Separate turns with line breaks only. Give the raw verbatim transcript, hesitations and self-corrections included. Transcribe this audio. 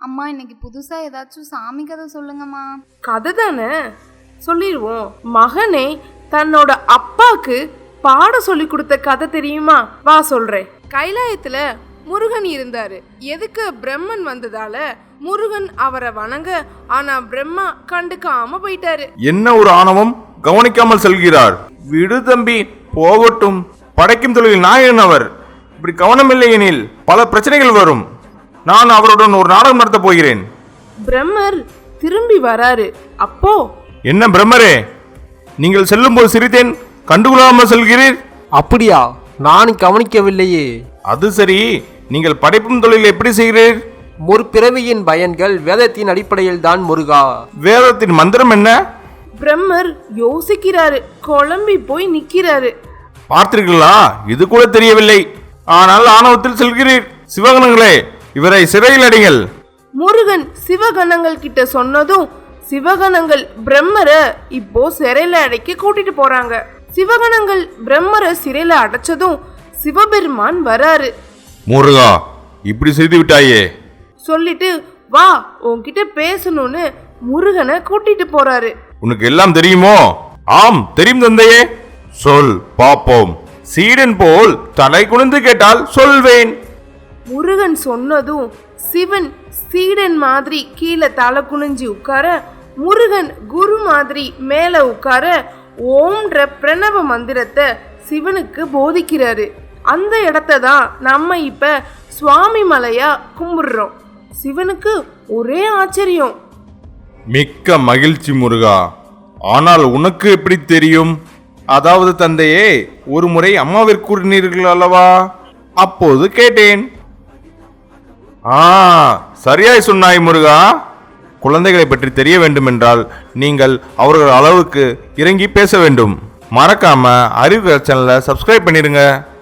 அம்மா இன்னைக்கு புதுசா ஏதாச்சும் சாமி கதை சொல்லுங்கம்மா.
கதை தானே, சொல்லிடுவோம். மகனே தன்னோட அப்பாக்கு பாட சொல்லி கொடுத்த கதை தெரியுமா? வா சொல்றேன். கைலாயத்துல முருகன் இருந்தாரு. எதுக்கு பிரம்மன் வந்ததால முருகன் அவரை வணங்க, ஆனா பிரம்மா கண்டுக்காம போயிட்டாரு.
என்ன ஒரு ஆணவம், கவனிக்காமல் செல்கிறார். விடு தம்பி, போகட்டும். படைக்கும் தொழில் நாயகன் அவர். இப்படி கவனமில்லை எனில் பல பிரச்சனைகள் வரும். நான் அவருடன் ஒரு நாடகம் நடத்த போகிறேன்.
பிரம்மர் திரும்பி வராரு. அப்போ
என்ன பிரம்மரே, நீங்கள் செல்லும் போது சிரித்தேன், கண்டுகொள்ளாமல் செல்கிறீர்.
அப்படியா? நான் கவனிக்கவில்லையே.
அது சரி, நீங்கள் படைப்பும் தொழில் எப்படி செய்கிறீர்?
முற்பிறவியின் பயன்கள் வேதத்தின் அடிப்படையில் தான் முருகா.
வேதத்தின் மந்திரம் என்ன?
பிரம்மர் யோசிக்கிறாரு, குழம்பி போய் நிக்கிறாரு.
பார்த்தீர்களா, இது கூட தெரியவில்லை. ஆனால் ஆணவத்தில் செல்கிறீர். சிவகணங்களே, இவரை சிறையில் அடைங்கள்.
முருகன் சிவகணங்கள் கிட்ட சொன்னதும் சிவகணங்கள் பிரம்மரை இப்போ சிறையில அடைக்க கூட்டிட்டு போறாங்க. சிவகணங்கள் பிரம்மரை சிறையில அடைச்சதும் சிவபெருமான் வராரு.
முருகா, இப்படி செய்து விட்டாயே
சொல்லிட்டு வா உன்கிட்ட பேசணும்னு முருகனை கூட்டிட்டு போறாரு.
உனக்கு எல்லாம் தெரியுமோ? ஆம் தெரியும் தந்தையே. சொல் பாப்போம். சீடன் போல் தலை குனிந்து கேட்டால் சொல்வேன்.
முருகன் சொன்னதும் சிவன் சீடன் மாதிரி கீழே தலை குனிஞ்சு உட்கார, முருகன் குரு மாதிரி மேல உட்கார ஓம்ன்ற பிரணவ மந்திரத்தை சிவனுக்கு போதிக்கிறாரு. அந்த இடத்த தான் நம்ம இப்ப சுவாமி மலையா கும்பிடுறோம். சிவனுக்கு ஒரே ஆச்சரியம்.
மிக்க மகிழ்ச்சி முருகா. ஆனால் உனக்கு எப்படி தெரியும்? அதாவது தந்தையே, ஒரு முறை அம்மாவிற்கு கூறினீர்கள் அல்லவா, அப்போது கேட்டேன். ஆ, சரியாய் சொன்னாய் முருகா. குழந்தைகளை பற்றி தெரிய வேண்டுமென்றால் நீங்கள் அவர்கள் அளவுக்கு இறங்கி பேச வேண்டும். மறக்காம அறிவு சேனலை சப்ஸ்கிரைப் பண்ணிடுங்க.